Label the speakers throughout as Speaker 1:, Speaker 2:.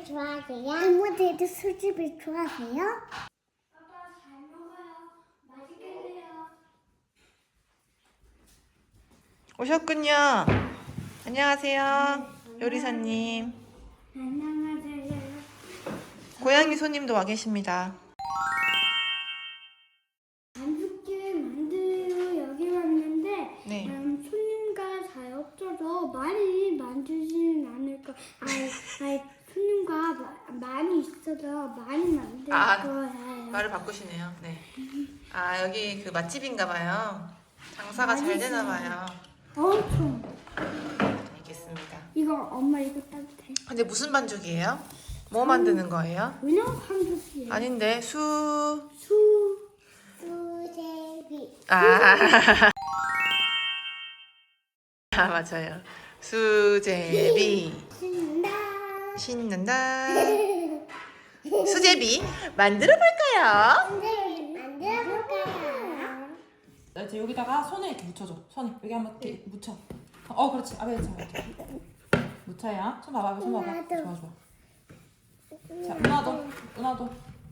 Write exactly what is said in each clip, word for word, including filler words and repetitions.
Speaker 1: 수제비 좋아하세요? 이모들도 수제비 좋아하세요? 아빠 잘 먹어요. 맛있게 해요.
Speaker 2: 오셨군요. 안녕하세요. 요리사님.
Speaker 1: 안녕하세요.
Speaker 2: 고양이 손님도 와 계십니다.
Speaker 1: 반죽집 만들고 여기 왔는데
Speaker 2: 네.
Speaker 1: 음, 손님과 잘 없어서 많이 만들지는 않을 거. 아이, 아이 손님과 마, 많이 있어서 많이 만들
Speaker 2: 아,
Speaker 1: 거예요.
Speaker 2: 말을 바꾸시네요. 네. 아, 여기 그 맛집인가 봐요. 장사가 잘 되나 봐요.
Speaker 1: 엄청.
Speaker 2: 알겠습니다.
Speaker 1: 이거 엄마 이거 따도 돼?
Speaker 2: 근데 무슨 반죽이에요? 뭐 만드는 거예요?
Speaker 1: 그냥 반죽이에요.
Speaker 2: 아닌데 수...
Speaker 1: 수 수제비.
Speaker 2: 아, 아 맞아요. 수제비.
Speaker 1: 신난다.
Speaker 2: 신난다. 수제비 만들어 볼까요?
Speaker 1: 선생님 만들어 볼까요?
Speaker 3: 나 이제 여기다가 손을 이렇게 묻혀줘. 손에 여기 한번 이렇게 묻혀. 어, 그렇지. 아베 자 이렇게 묻혀야. 손 봐봐, 손 봐봐.
Speaker 1: 나도.
Speaker 3: 좋아, 좋아. 자, 누나도, 누나도.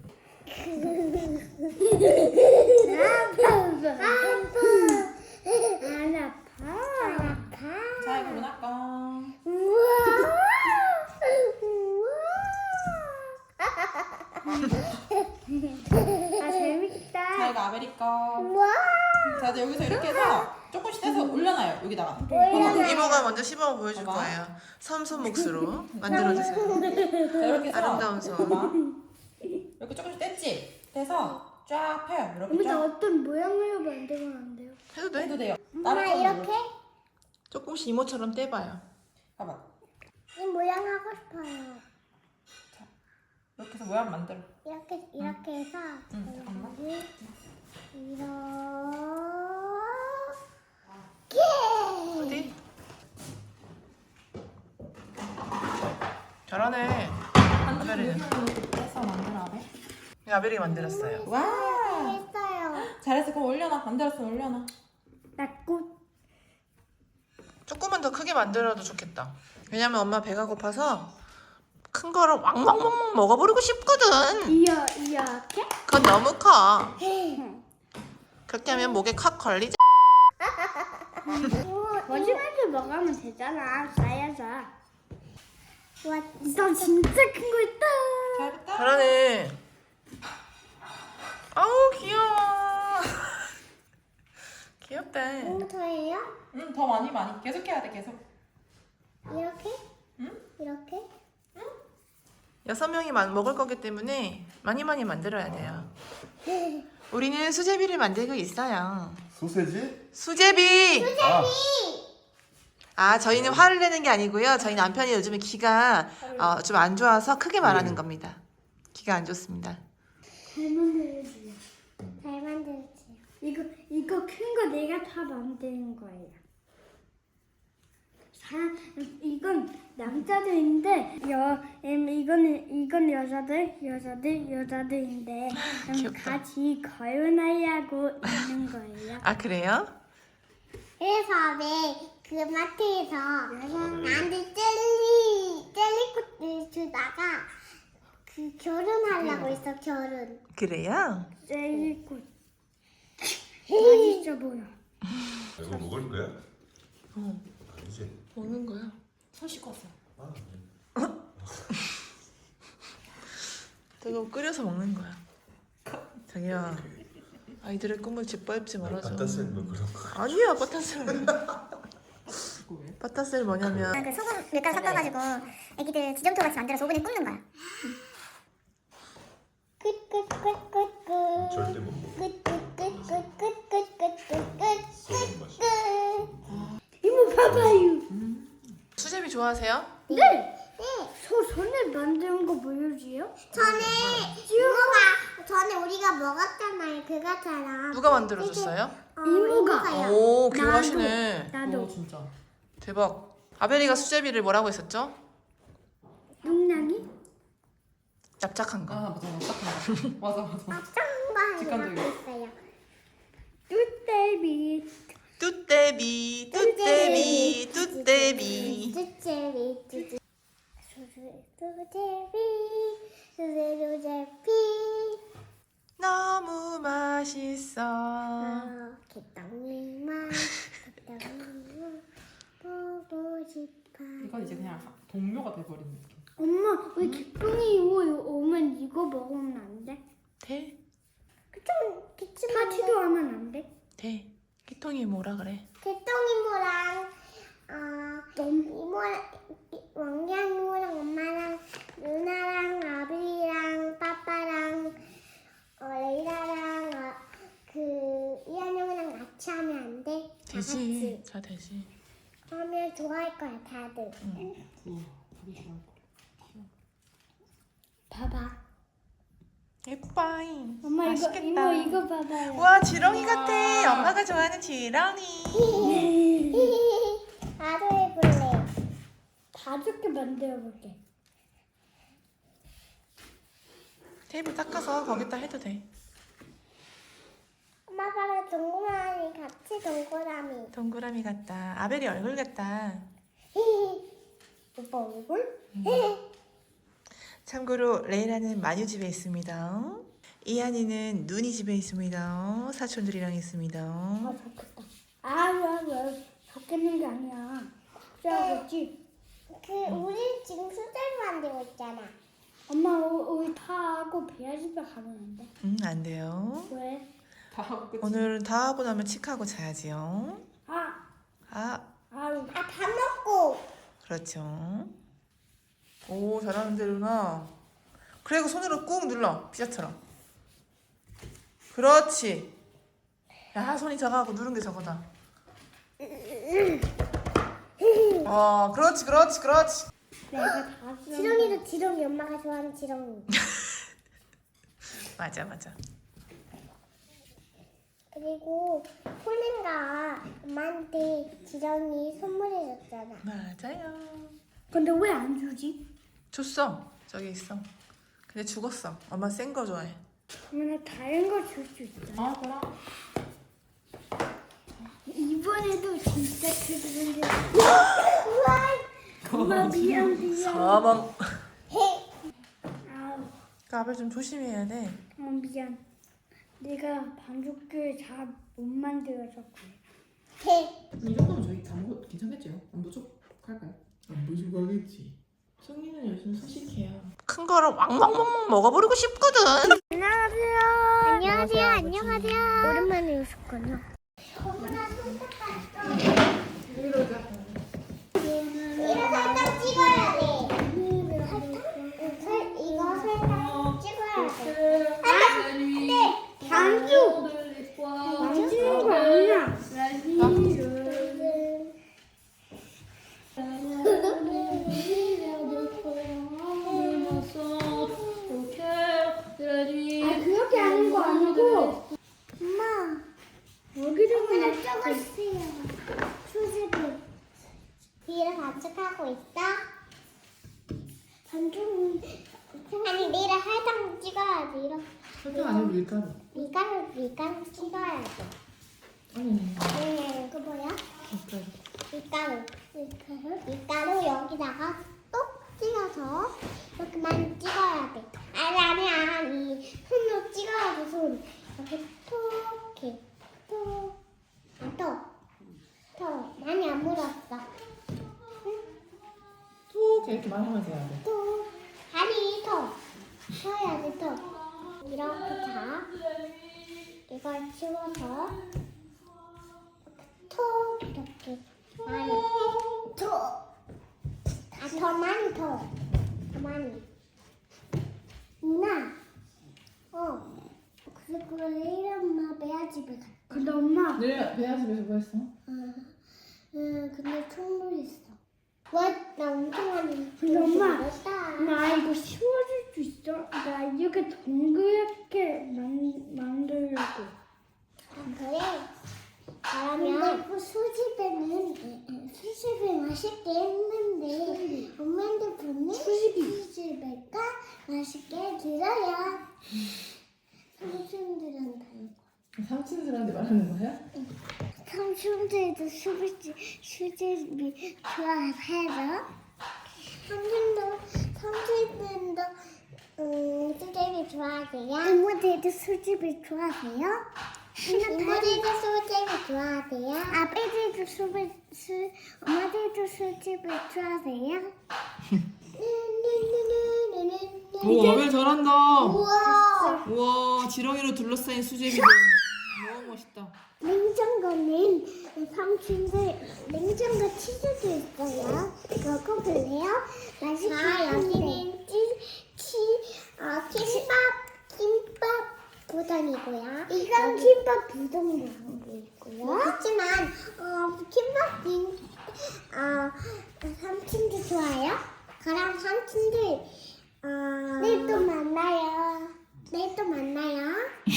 Speaker 1: 아파. 안 아파. 안 아파.
Speaker 3: 자, 이거 누나 거.
Speaker 1: 우와. 우와. 아 재밌다.
Speaker 3: 자, 이거 아베리 거.
Speaker 1: 우와.
Speaker 3: 자, 이제 여기서 이렇게 해서 조금씩 해서 올려놔요. 여기다가.
Speaker 1: 올려놔요.
Speaker 2: 이모가 먼저 시범을 보여줄
Speaker 3: 봐봐.
Speaker 2: 거예요. 섬손 몫으로 만들어주세요.
Speaker 3: 자, 이렇게 해서.
Speaker 2: 아름다운 손.
Speaker 3: 봐봐. 이렇게 조금씩 뗐지? 떼서 쫙 펴요. 이렇게
Speaker 1: 근데
Speaker 3: 쫙.
Speaker 1: 어떤 모양으로 만들면 안 돼요?
Speaker 2: 해도 돼?
Speaker 3: 해도 돼요.
Speaker 1: 엄마
Speaker 3: 다른
Speaker 1: 이렇게?
Speaker 3: 걸로.
Speaker 2: 조금씩 이모처럼 떼봐요.
Speaker 3: 봐봐.
Speaker 1: 이 모양 하고 싶어요.
Speaker 3: 이렇게 해서 모양 만들어.
Speaker 1: 이렇게 이렇게 해서
Speaker 3: 응, 잠깐만.
Speaker 1: 여기 이렇게
Speaker 2: 어디? 잘하네.
Speaker 3: 한
Speaker 2: 아베리는.
Speaker 3: 줄 떼서 만들어, 아베.
Speaker 2: 아벨이 만들었어요.
Speaker 3: 와!
Speaker 1: 했어요.
Speaker 3: 잘했어. 그럼 올려놔. 만들었으면 올려놔.
Speaker 1: 나꽃
Speaker 2: 조금만 더 크게 만들어도 좋겠다. 왜냐면 엄마 배가 고파서 큰 거를 왕왕왕왕 먹어버리고 싶거든.
Speaker 1: 이어 이렇게
Speaker 2: 그건 너무 커. 그렇게 하면 목에 콱 걸리지.
Speaker 1: 거짓말도 먹으면 되잖아. 쌓여서. 와, 너 진짜 큰 거 있다.
Speaker 3: 잘했다.
Speaker 2: 잘하네. 아우 귀여워. 귀엽다.
Speaker 1: 뭐부터예요?
Speaker 3: 응, 더 많이 많이. 계속 해야 돼. 계속.
Speaker 1: 이렇게?
Speaker 3: 응?
Speaker 1: 이렇게?
Speaker 2: 여섯 명이 만- 먹을 거기 때문에 많이 많이 만들어야 돼요. 우리는 수제비를 만들고 있어요.
Speaker 4: 소세지?
Speaker 2: 수제비.
Speaker 4: 아,
Speaker 2: 아 저희는 화를 내는 게 아니고요. 저희 남편이 요즘에 기가 어, 좀 안 좋아서 크게 말하는 겁니다. 기가 안 좋습니다.
Speaker 1: 잘 만들어주세요. 잘 만들어주세요. 이거 이거 큰 거 내가 다 만드는 거예요. 사 이건 남자들인데 여 음, 이거는 이건 여자들 여자들 여자들인데 음,
Speaker 2: 귀엽다.
Speaker 1: 같이 걸어나려고 있는 거예요.
Speaker 2: 아 그래요?
Speaker 1: 그래서 왜그 마트에서 나한테 젤리 젤리꽃을 주다가 그 결혼하려고 했어 결혼.
Speaker 2: 그래요?
Speaker 1: 젤리꽃 맛있어 보여.
Speaker 4: 이거 먹을 거야?
Speaker 2: 어
Speaker 4: 아니지.
Speaker 2: 먹는 거야.
Speaker 3: 손 씻고 왔어요.
Speaker 4: 아,
Speaker 2: 저거 끓여서 먹는 거야. 자기야 아이들의 꿈을 짓밟지 말아줘.
Speaker 4: 바타셀 뭐 그런 거.
Speaker 2: 아니야 바타셀.
Speaker 3: 이거 왜?
Speaker 2: 바타셀 뭐냐면
Speaker 5: 그 소금 몇 가루 섞어가지고 애기들 지점토 같이 만들어서 오븐에 굽는 거야.
Speaker 1: 끝끝끝끝끝
Speaker 4: 절대 못 먹어.
Speaker 1: 끝끝끝끝끝끝끝
Speaker 4: 소금 맛이.
Speaker 1: 이모 봐봐요.
Speaker 2: 수제비 좋아하세요?
Speaker 1: 네. 소 손에 만드는 거 보여줘요?
Speaker 5: 전에 이모가 전에 우리가 먹었잖아요. 그거처럼.
Speaker 2: 누가 만들어줬어요?
Speaker 5: 어,
Speaker 1: 이모가.
Speaker 5: 이모가요.
Speaker 2: 오 교환하시네.
Speaker 3: 오,
Speaker 1: 나도
Speaker 3: 진짜.
Speaker 2: 대박. 아벨이가 수제비를 뭐라고 했었죠?
Speaker 1: 용량이
Speaker 2: 납작한 거.
Speaker 3: 아, 맞아. 맞아. 맞아, 맞아.
Speaker 5: 짠거
Speaker 3: 직관적이야.
Speaker 5: 있어요.
Speaker 1: 뚜떼비
Speaker 2: 뚜떼비 뚜떼비 뚜떼비.
Speaker 5: 쭈쭈리 쭈쭈.
Speaker 1: 소스
Speaker 5: 수제비 수제비
Speaker 2: 너무 맛있어.
Speaker 5: 어, 개떡이만 개떡이만 보고 싶어.
Speaker 3: 이건 이제 그냥 동료가 돼버린 느낌.
Speaker 1: 엄마 왜 개똥이 이거 오면 이거 먹으면 안 돼?
Speaker 2: 돼?
Speaker 5: 좀 기침
Speaker 1: 파티도 하면 안 돼?
Speaker 2: 돼. 끼통이 뭐라 그래?
Speaker 5: 개똥이모랑 어
Speaker 1: 너무
Speaker 5: 이모랑 왕량 이모랑 엄마랑 누나랑 아비랑 빠빠랑 어, 레이라랑 어, 그 이한 형이랑 같이 하면 안 돼? 다
Speaker 2: 되지.
Speaker 5: 같이
Speaker 2: 다 되지.
Speaker 5: 하면 좋아할 거야 다들.
Speaker 3: 우와, 되게 좋아할 거야.
Speaker 1: 봐봐.
Speaker 2: 예뻐잉.
Speaker 1: 엄마
Speaker 2: 맛있겠다.
Speaker 1: 이거 이모 이거 봐봐요.
Speaker 2: 와 지렁이 같아. 엄마가 좋아하는 지렁이.
Speaker 5: 나도 해볼래.
Speaker 1: 다섯 개 만들어 볼게.
Speaker 2: 테이블 닦아서 거기다 해도 돼.
Speaker 5: 엄마 봐봐 동그라미 같이 동그라미.
Speaker 2: 동그라미 같다. 아벨이 얼굴 같다.
Speaker 5: 오빠 얼굴?
Speaker 2: 참고로 레이라는 마녀 집에 있습니다. 이한이는 눈이 집에 있습니다. 사촌들이랑 있습니다.
Speaker 1: 아 좋겠다. 아왜 좋겠는 게 아니야. 짜겠지.
Speaker 5: 그 우리 지금 수제비 만들고 있잖아.
Speaker 1: 엄마 우- 우리 다 하고 배아 집에 가면 안 돼?
Speaker 2: 음, 안 돼요.
Speaker 1: 왜?
Speaker 3: 다 하고 끝이.
Speaker 2: 오늘은 다 하고 나면 칙하고 자야지요.
Speaker 1: 아
Speaker 2: 아,
Speaker 1: 아유
Speaker 5: 아 밥 먹고.
Speaker 2: 그렇죠. 오, 잘하는데 루나. 그리고 손으로 꾹 눌러. 피자처럼. 그렇지. 야, 손이 작아하고 누른 게 저거다. 어, 그렇지, 그렇지, 그렇지.
Speaker 1: 내가 다 쓰는
Speaker 5: 지렁이도 지렁이 엄마가 좋아하는 지렁이.
Speaker 2: 맞아, 맞아.
Speaker 5: 그리고 폴린가 엄마한테 지렁이 선물해줬잖아.
Speaker 2: 맞아요.
Speaker 1: 근데 왜 안 주지?
Speaker 2: 줬어. 저기 있어. 근데 죽었어. 엄마 센 거 좋아해.
Speaker 1: 그러면 다른 거 줄 수 있어.
Speaker 3: 아, 그럼.
Speaker 1: 이번에도 진짜 크던데. 엄마 미안 미안.
Speaker 2: 사망.
Speaker 1: 아우
Speaker 2: 까불 좀 조심해야 돼.
Speaker 1: 어, 미안. 내가 반죽을 잘 못 만들어서 그래.
Speaker 3: 이 정도면 저희 다 먹어도 괜찮겠지요? 안 부족할까요?
Speaker 4: 안 부족하겠지.
Speaker 2: 성인은 요즘 소식해요. 큰 거를 왕왕왕왕 먹어버리고 싶거든.
Speaker 5: 안녕하세요. 안녕하세요. 안녕하세요. 오랜만에 오셨군요. 이거 설탕 찍어야 돼. 설, 이거 설탕 찍어야 돼. 안돼.
Speaker 1: 반죽 만지는 거 아니야. 아 그렇게 하는 거 아니고
Speaker 5: 엄마,
Speaker 1: 여기를
Speaker 5: 그냥
Speaker 1: 그냥
Speaker 5: 적었어요. 수제비. 뒤를 반죽하고 있어? 반죽은 아니 내일 설탕 찍어야지. 이렇게
Speaker 3: 설탕 아니고 밀가루.
Speaker 5: 밀가루 밀가루 찍어야지.
Speaker 3: 아니,
Speaker 5: 네, 이거 뭐야?
Speaker 3: 밀가루.
Speaker 5: 밀가루. 밀가루? 밀가루 여기다가 똑 찍어서 이렇게만 찍어야 돼. 아니 아니 아니 손으로 찍어야 돼. 손 이렇게 톡 이렇게 톡. 안 톡. 톡. 많이 안 묻었어.
Speaker 3: 톡 이렇게 말하면서 해야 돼.
Speaker 5: 톡. 아니 톡. 쳐야지 톡. 이렇게 자. 이걸 치워서 톡 이렇게 많이 톡. 아, 더 많이 더. 더 많이. 누나. 어. 그리고 레이라 엄마 매야 집에 갔다.
Speaker 1: 근데 엄마
Speaker 3: 내일 배아 집에서 뭐 했어?
Speaker 5: 응. 응, 근데 충분했어. 와, 나 엄청 많이.
Speaker 1: 근데 엄마,
Speaker 5: 먹었다.
Speaker 1: 나 이거 씌워줄 수 있어? 나 이렇게 동그랗게 만, 만들려고.
Speaker 5: 아, 그래? 그러면 그 수집에는 수집이 맛있게 했는데 엄마한테 보면 수집이가 맛있게 드려요. 삼촌들한테
Speaker 3: 삼촌들한테 말하는 거야?
Speaker 5: 삼촌들도 수집 수집이 좋아해서 삼촌도 삼촌도 좋아하세요? 이모들도 술집을 좋아하세요? 이모들도 술집을 좋아하세요? 아빠들도 술을 술 엄마들도 술집을 좋아하세요?
Speaker 3: 오 아벨 잘한다.
Speaker 5: 우와.
Speaker 3: 우와 지렁이로 둘러싸인 수제비들. 너무 멋있다.
Speaker 5: 냉장고는 삼촌들 냉장고 치즈도 있어요. 먹어볼래요? 맛있겠는데. 자 여기는 치, 치, 어, 김밥 김밥 부동이고요. 이건 김밥 부동도 있고요. 하지만 어, 김밥 빈, 어, 삼촌도 좋아요. 그럼 삼촌들 어, 내일 또 만나요. 내일 또 만나요.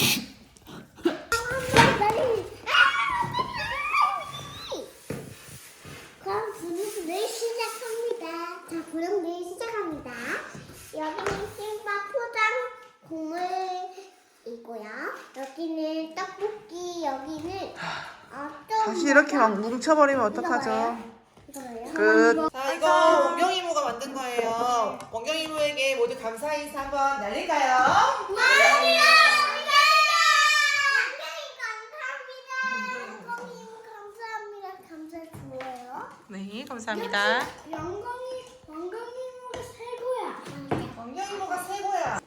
Speaker 5: 그럼 부르스 내일 시작합니다. 자, 그럼 내일 시작합니다. 여기는 김밥 포장 국물이고요. 여기는 떡볶이, 여기는 어, 또
Speaker 2: 다시 이렇게 막 뭉쳐버리면 어떡하죠?
Speaker 5: 이거예요?
Speaker 2: 끝. 자, 이거 원경 이모가 만든 거예요. 원경 이모에게 모두 감사 인사 한번 날릴까요?
Speaker 5: 감사합니다. 감사합니다. 감사 좋아요.
Speaker 2: 네, 감사합니다.
Speaker 1: 영광이 영광이모가 최고야.
Speaker 2: 원경 이모가 최고야.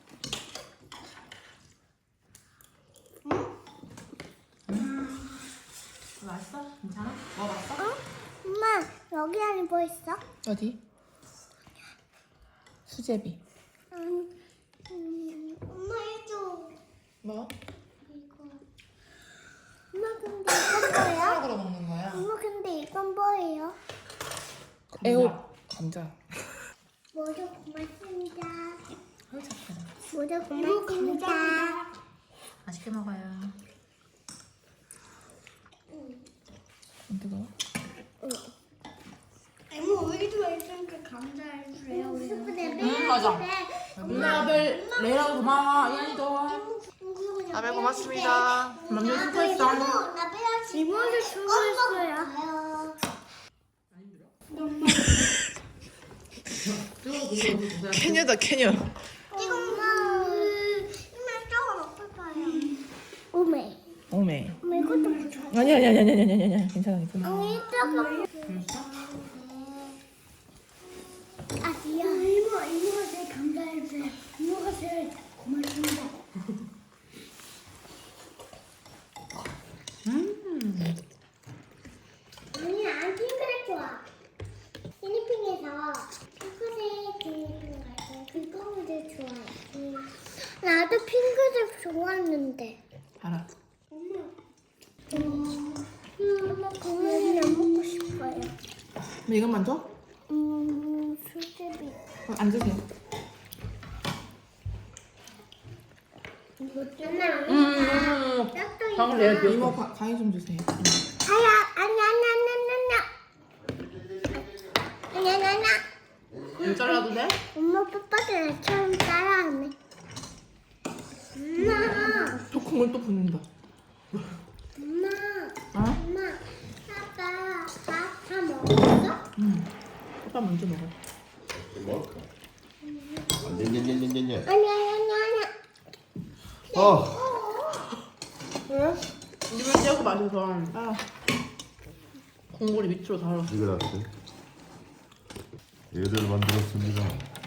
Speaker 3: 맛있어? 괜찮아? 먹어봤어?
Speaker 5: 어? 엄마 여기 안에 뭐 있어?
Speaker 3: 어디? 수제비.
Speaker 5: 음, 음, 엄마 해줘.
Speaker 3: 뭐?
Speaker 5: 이거. 엄마 근데 이건 뭐예요?
Speaker 3: 수학으로 먹는 거야.
Speaker 5: 엄마 근데 이건 뭐예요?
Speaker 3: 애호 감자.
Speaker 5: 모두 고맙습니다.
Speaker 3: 아유 착하다.
Speaker 5: 모두 고맙습니다.
Speaker 3: 맛있게 먹어요. 안 뜨거워?
Speaker 1: 이모 우리도 해주니까 감사해주세요.
Speaker 3: 응 맞아. 누나 아벨 레이라고 고마워. 이한이도.
Speaker 2: 아벨 고맙습니다.
Speaker 3: 남녀 수고했어.
Speaker 1: 이모도 수고했어요.
Speaker 2: 캐녀다 캐녀.
Speaker 5: 이거 엄마 이마 조금 먹을 거예요. 오메.
Speaker 3: 오메.
Speaker 5: 오메 이것도 무서워.
Speaker 3: 아니 아니 아니 아니 아니 아니 아니 괜찮아 괜찮아.
Speaker 5: 언니 조금. 아 귀여워.
Speaker 1: 이모 이모가 제일 감사해주세요. 이모가 제일 고맙습니다.
Speaker 3: 음.
Speaker 5: 아니 난 핑크색 좋아. 티니핑에서 핑크색 티니핑 갈때 그거를 좋아해. 응. 나도 핑크색 좋아했는데.
Speaker 3: 알아.
Speaker 5: 엄마. 음, 엄마 그거는 안 먹고 싶어요.
Speaker 3: 뭐 이것만 줘?
Speaker 5: 음, 수제비.
Speaker 3: 어, 앉으세요.
Speaker 5: 엄마.
Speaker 3: 음.
Speaker 5: 짝도
Speaker 3: 방금 내가 이모 가, 가위 좀 주세요.
Speaker 5: 아야, 아니, 아니, 아니, 아니, 아니, 아니, 아니, 아니.
Speaker 3: 일 잘라도 돼?
Speaker 5: 엄마 빠빠들 나처럼 따라하네. 엄마,
Speaker 3: 또 국물 또 붓는다.
Speaker 5: 엄마,
Speaker 3: 어?
Speaker 5: 엄마, 아빠 밥 다 먹었어?
Speaker 3: 응. 오빠 먼저 먹어.
Speaker 4: 뭐? 안돼냐냐냐냐.
Speaker 5: 아니, 아니, 아니, 아니.
Speaker 4: 어.
Speaker 3: 왜? 입을 떼고 마셔서 아. 국물이 밑으로 달아.
Speaker 4: 이거 나왔어. 얘를 만들었습니다.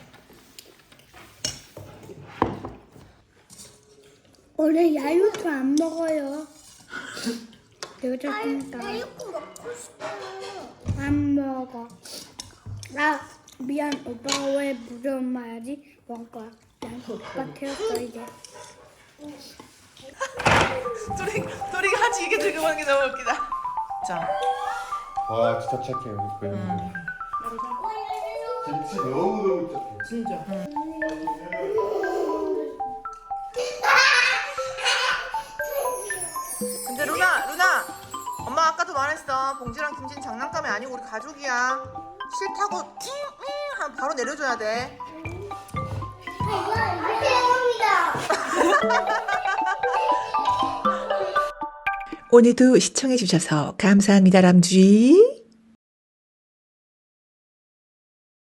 Speaker 1: 원래 야유도 안 먹어요. 내가
Speaker 5: 나
Speaker 1: 자꾸니까
Speaker 5: 이거 먹고 싶어.
Speaker 1: 안 먹어. 나 미안 오빠가 왜 무서운 말하지? 먹을 거야. 난 오빠 태웠어 이제.
Speaker 2: 둘이 둘이 같이 이게 들고 가는 게 너무 웃기다. 자,
Speaker 4: 와 진짜 착해 우리 고양이. 김치 너무 너무 착해.
Speaker 3: 진짜.
Speaker 2: 근데 루나 루나 엄마 아까도 말했어. 봉지랑 김치는 장난감이 아니고 우리 가족이야. 싫다고 잉잉 하면 바로 내려줘야 돼.
Speaker 5: 이거 대형이다.
Speaker 6: 오늘도 시청해주셔서 감사합니다, 람쥐.